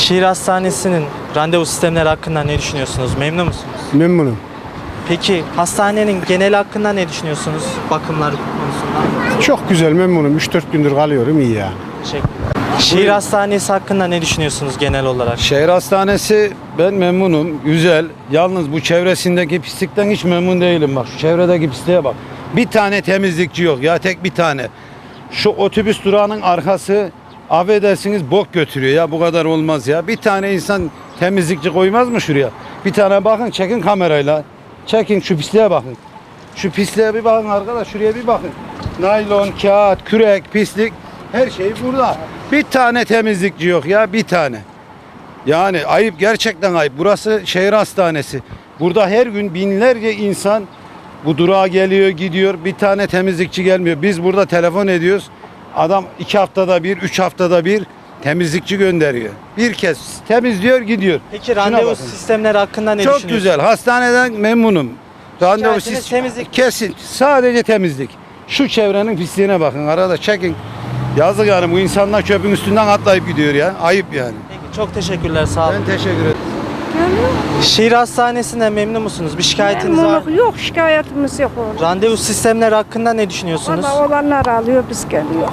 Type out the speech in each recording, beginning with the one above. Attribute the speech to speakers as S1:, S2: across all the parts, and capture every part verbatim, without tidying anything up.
S1: Şehir Hastanesi'nin randevu sistemleri hakkında ne düşünüyorsunuz? Memnun musunuz?
S2: Memnunum.
S1: Peki hastanenin genel hakkında ne düşünüyorsunuz bakımlar konusunda?
S2: Çok güzel, memnunum. üç dört gündür kalıyorum, iyi yani.
S1: Teşekkürler. Şehir Hastanesi hakkında ne düşünüyorsunuz genel olarak?
S3: Şehir hastanesi ben memnunum, güzel. Yalnız bu çevresindeki pislikten hiç memnun değilim. Bak şu çevredeki pisliğe bak. Bir tane temizlikçi yok ya, tek bir tane. Şu otobüs durağının arkası, affedersiniz, bok götürüyor ya, bu kadar olmaz ya. Bir tane insan temizlikçi koymaz mı şuraya? Bir tane bakın, çekin kamerayla. Çekin şu pisliğe bakın. Şu pisliğe bir bakın arkadaş, şuraya bir bakın. Naylon, kağıt, kürek, pislik, her şey burada. Bir tane temizlikçi yok ya, bir tane. Yani ayıp, gerçekten ayıp. Burası şehir hastanesi. Burada her gün binlerce insan bu durağa geliyor, gidiyor. Bir tane temizlikçi gelmiyor. Biz burada telefon ediyoruz. Adam iki haftada bir, üç haftada bir temizlikçi gönderiyor. Bir kez temizliyor, gidiyor.
S1: Peki
S3: Şuna
S1: randevu
S3: bakın.
S1: sistemleri hakkında ne
S3: Çok
S1: düşünüyorsunuz?
S3: güzel. Hastaneden memnunum. Randevu
S1: Şikayetiniz
S3: sistemi
S1: temizlik.
S3: kesin. Sadece temizlik. Şu çevrenin pisliğine bakın. Arada çekin. Yazık yani, bu insanlar çöpün üstünden atlayıp gidiyor ya. Ayıp yani.
S1: Peki, çok teşekkürler, sağ olun.
S3: Ben teşekkür ederim.
S1: Şehir Hastanesi'nden memnun musunuz? Bir şikayetiniz var mı?
S4: Memnunluk yok, şikayetimiz yok orada.
S1: Randevu sistemleri hakkında ne düşünüyorsunuz?
S4: Valla olanlar alıyor, biz geliyor.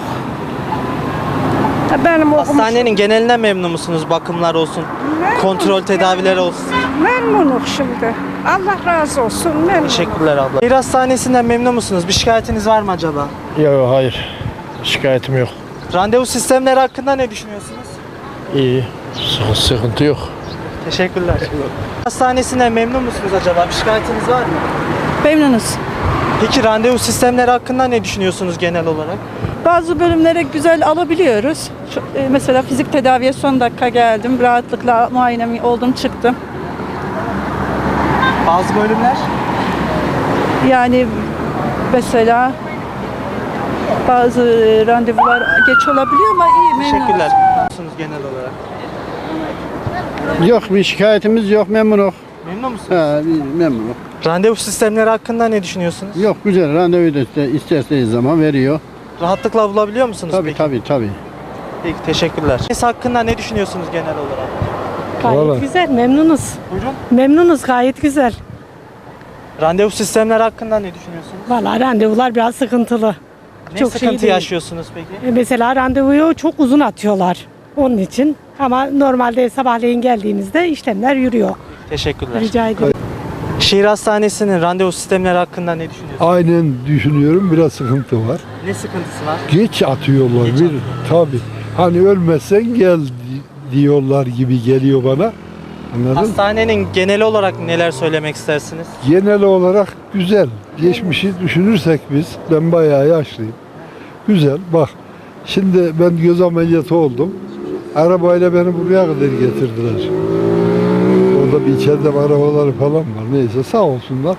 S4: Ha, Benim okumuşum.
S1: Hastanenin genelinden memnun musunuz? Bakımlar olsun, kontrol tedavileri olsun.
S4: Memnunum şimdi. Allah razı olsun, memnunum.
S1: Teşekkürler abla. Şehir Hastanesi'nden memnun musunuz? Bir şikayetiniz var mı acaba?
S5: Yok, hayır. Şikayetim yok.
S1: Randevu sistemleri hakkında ne düşünüyorsunuz?
S5: İyi. Sıkıntı, sıkıntı yok.
S1: Teşekkürler. Hastanesinden memnun musunuz acaba? Bir şikayetiniz var mı?
S6: Memnunuz.
S1: Peki randevu sistemleri hakkında ne düşünüyorsunuz genel olarak?
S6: Bazı bölümlere güzel alabiliyoruz. Şu, e, mesela fizik tedaviye son dakika geldim. Rahatlıkla muayenemi oldum, çıktım.
S1: Bazı bölümler?
S6: Yani mesela bazı e, randevular geç olabiliyor ama iyi, memnunuz.
S1: Teşekkürler. Musunuz genel olarak?
S2: Yok, bir şikayetimiz yok, memnunum.
S1: Memnun musunuz?
S2: Ha, memnunum.
S1: Randevu sistemleri hakkında ne düşünüyorsunuz?
S2: Yok, güzel, randevu da iste- isterseniz zaman veriyor.
S1: Rahatlıkla bulabiliyor musunuz
S2: Tabii
S1: peki?
S2: tabii tabii.
S1: Peki, teşekkürler. Hastanesi hakkında ne düşünüyorsunuz genel olarak?
S7: Gayet
S5: Vallahi.
S7: güzel, memnunuz.
S1: Buyurun.
S7: Memnunuz, gayet güzel.
S1: Randevu sistemleri hakkında ne düşünüyorsunuz?
S7: Vallahi randevular biraz sıkıntılı.
S1: Ne
S7: Çok şey
S1: sıkıntı
S7: değil.
S1: yaşıyorsunuz peki?
S7: E, Mesela randevuyu çok uzun atıyorlar onun için. Ama normalde sabahleyin geldiğinizde işlemler yürüyor.
S1: Teşekkürler.
S7: Rica ederim.
S1: Şehir Hastanesi'nin randevu sistemleri hakkında ne düşünüyorsunuz?
S8: Aynen düşünüyorum, biraz sıkıntı var.
S1: Ne sıkıntısı var?
S8: Geç atıyorlar
S1: Geç
S8: bir
S1: atıyor.
S8: tabii. Hani ölmezsen gel di- diyorlar gibi geliyor bana. Anladın?
S1: Hastanenin genel olarak neler söylemek istersiniz?
S8: Genel olarak güzel. Geçmişi düşünürsek biz, ben bayağı yaşlıyım. Güzel. Bak, şimdi ben göz ameliyatı oldum. Arabayla beni buraya kadar getirdiler. Orada bir içeride arabaları falan var. Neyse, sağ olsunlar.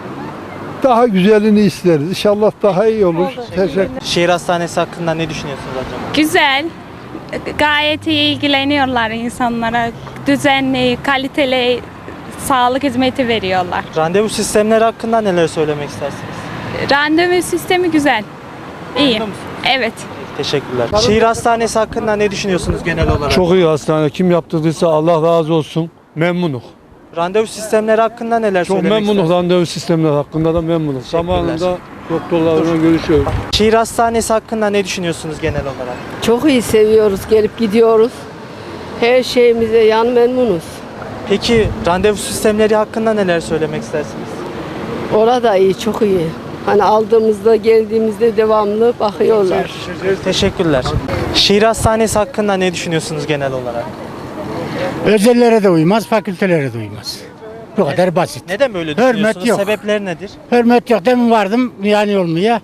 S8: Daha güzelini isteriz. İnşallah daha iyi olur. Teşekkür
S1: Şehir Hastanesi hakkında ne düşünüyorsunuz acaba?
S9: Güzel. Gayet iyi ilgileniyorlar insanlara. Düzenli, kaliteli sağlık hizmeti veriyorlar.
S1: Randevu sistemleri hakkında neler söylemek istersiniz?
S9: Randevu sistemi güzel. İyi.
S1: Memnun musunuz?
S9: Evet.
S1: Teşekkürler. Şehir Hastanesi hakkında ne düşünüyorsunuz genel olarak?
S5: Çok iyi hastane. Kim yaptırdıysa Allah razı olsun. Memnunum.
S1: Randevu sistemleri hakkında neler
S5: Çok
S1: söylemek
S5: memnunum.
S1: istersiniz?
S5: Randevu sistemleri hakkında da memnunum. Zamanında doktorlarla görüşüyoruz.
S1: Şehir Hastanesi hakkında ne düşünüyorsunuz genel olarak?
S10: Çok iyi seviyoruz, gelip gidiyoruz. Her şeyimize yan memnunuz.
S1: Peki randevu sistemleri hakkında neler söylemek istersiniz?
S10: Orada iyi, çok iyi. Hani aldığımızda, geldiğimizde devamlı bakıyorlar.
S1: Teşekkürler. Şehir Hastanesi hakkında ne düşünüyorsunuz genel olarak?
S11: Özellere de uymaz, fakültelere de uymaz. Bu kadar basit.
S1: Neden böyle
S11: Hürmet
S1: düşünüyorsunuz?
S11: yok.
S1: Sebepler nedir?
S11: Hürmet yok. Demin vardım yani olmaya.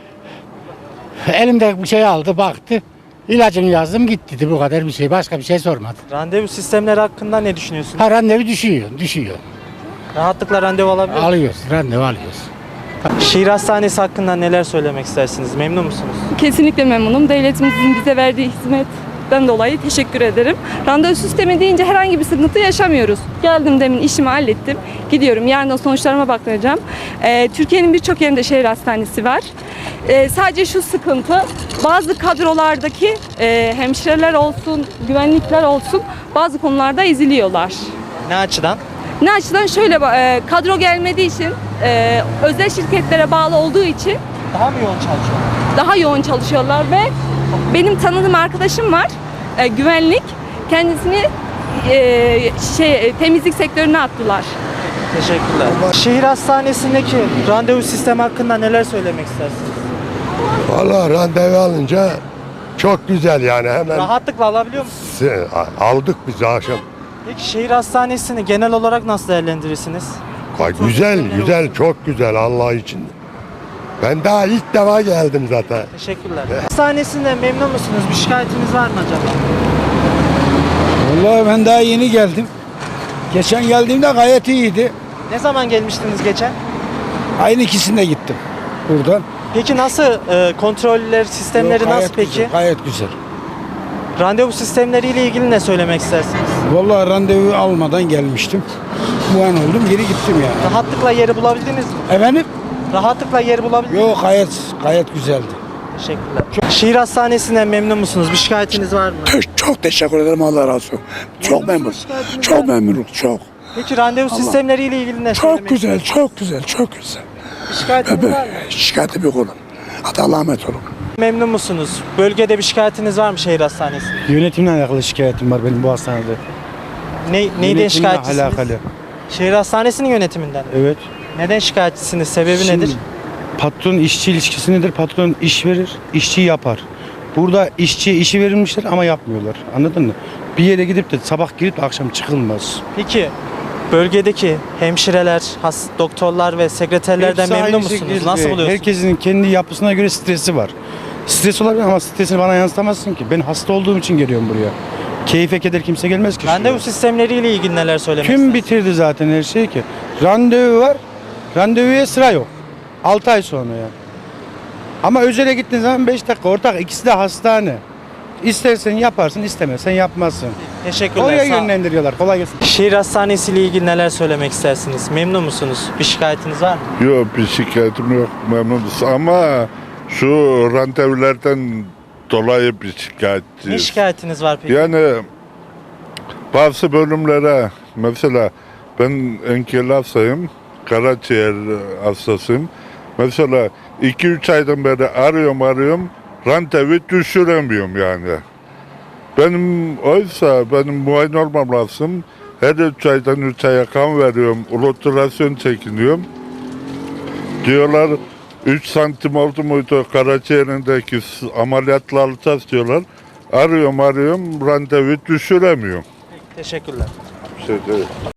S11: Elimde bir şey aldı, baktı. İlacını yazdım, gitti dedi. Bu kadar bir şey. Başka bir şey sormadı.
S1: Randevu sistemleri hakkında ne düşünüyorsunuz?
S11: Ha, randevu düşüyor, düşüyor.
S1: Rahatlıkla randevu alabiliyor musunuz?
S11: Alıyoruz, randevu alıyoruz.
S1: Şehir Hastanesi hakkında neler söylemek istersiniz? Memnun musunuz?
S6: Kesinlikle memnunum. Devletimizin bize verdiği hizmet
S12: sebepten dolayı teşekkür ederim. Randevu sistemi deyince herhangi bir sıkıntı yaşamıyoruz. Geldim demin işimi hallettim. Gidiyorum. Yarın sonuçlarıma bakacağım. Ee, Türkiye'nin birçok yerinde şehir hastanesi var. Ee, sadece şu sıkıntı, bazı kadrolardaki e, hemşireler olsun, güvenlikler olsun bazı konularda eziliyorlar.
S1: Ne açıdan?
S12: Ne açıdan? Şöyle e, kadro gelmediği için, e, özel şirketlere bağlı olduğu için
S1: Daha mı yoğun çalışıyorlar?
S12: daha yoğun çalışıyorlar ve benim tanıdığım arkadaşım var, e, güvenlik, kendisini e, şey temizlik sektörüne attılar.
S1: Teşekkürler. Şehir hastanesindeki randevu sistemi hakkında neler söylemek istersiniz?
S13: Valla randevu alınca çok güzel yani hemen
S1: Rahatlıkla alabiliyor musunuz?
S13: se- aldık biz akşam.
S1: Peki şehir hastanesini genel olarak nasıl değerlendirirsiniz?
S13: Vay, güzel güzel çok güzel Allah için. Ben daha ilk defa geldim zaten.
S1: Teşekkürler. Hastanesinde memnun musunuz? Bir şikayetiniz var mı acaba?
S5: Vallahi ben daha yeni geldim. Geçen geldiğimde gayet iyiydi.
S1: Ne zaman gelmiştiniz geçen?
S5: Aynı ikisinde gittim buradan.
S1: Peki nasıl e, kontroller, sistemleri
S5: Yok, gayet
S1: nasıl peki?
S5: Güzel, gayet güzel.
S1: Randevu sistemleriyle ilgili ne söylemek istersiniz?
S5: Vallahi randevu almadan gelmiştim. Bu an oldum geri gittim yani.
S1: Rahatlıkla yeri bulabildiniz mi?
S5: Efendim?
S1: Rahatlıkla yeri bulabildiniz mi?
S5: Yok gayet gayet güzeldi.
S1: Teşekkürler. Şehir hastanesinden memnun musunuz? Bir şikayetiniz var mı?
S14: Çok teşekkür ederim, Allah razı olsun. Çok memnun. Çok memnunum, çok.
S1: Peki randevu sistemleriyle ilgili ne
S14: Çok
S1: söylemek
S14: güzel, çok güzel, çok güzel.
S1: Bir şikayetiniz var mı?
S14: Şikayetim yok oğlum. Hadi Allah'a emanet olun.
S1: Memnun musunuz? Bölgede bir şikayetiniz var mı şehir hastanesi?
S3: Yönetimle alakalı şikayetim var benim bu hastanede.
S1: Ne, neyden
S3: Yönetimle
S1: şikayetçisiniz?
S3: alakalı.
S1: Şehir hastanesinin yönetiminden.
S3: Evet.
S1: Neden şikayetçisiniz? Sebebi
S3: Şimdi,
S1: nedir?
S3: Patron işçi ilişkisi nedir? Patron iş verir, işçi yapar. Burada işçiye işi verilmişler ama yapmıyorlar. Anladın mı? Bir yere gidip de sabah girip de akşam çıkılmaz.
S1: Peki bölgedeki hemşireler, has, doktorlar ve sekreterlerden
S3: Hepsi
S1: memnun
S3: aynı
S1: musunuz?
S3: şekilde.
S1: Nasıl buluyorsunuz?
S3: Herkesin kendi yapısına göre stresi var. Stres olabilir ama stresini bana yansıtamazsın ki. Ben hasta olduğum için geliyorum buraya. Keyfe keder kimse gelmez ki.
S1: Randevu
S3: şuraya.
S1: sistemleriyle ilgili neler söylemek
S3: Kim
S1: istersiniz?
S3: bitirdi zaten her şeyi ki? Randevu var. Randevuya sıra yok. altı ay sonra ya. Ama özele gittiğin zaman beş dakika ortak. İkisi de hastane. İstersen yaparsın, istemezsen yapmazsın.
S1: Teşekkürler.
S3: Oraya
S1: sağ olun.
S3: yönlendiriyorlar. Kolay gelsin.
S1: Şehir hastanesiyle ilgili neler söylemek istersiniz? Memnun musunuz? Bir şikayetiniz var mı?
S15: Yok, bir şikayetim yok, memnunuz ama şu randevulardan dolayı bir
S1: Ne
S15: şikayetçiyiz.
S1: şikayetiniz var peki?
S15: Yani bazı bölümlere mesela ben engelli hastayım, karaciğer hastasıyım. Mesela iki üç aydan beri arıyorum arıyorum, randevu düşüremiyorum yani. Benim oysa benim muayene olmam lazım. Her üç aydan üç aya kan veriyorum, ultrasyon çekiniyorum. Diyorlar üç santim oldu muydu karaciğerindeki ameliyatla alacağız diyorlar. Arıyorum arıyorum randevu düşüremiyorum.
S1: Teşekkürler.
S15: Bir şey değil.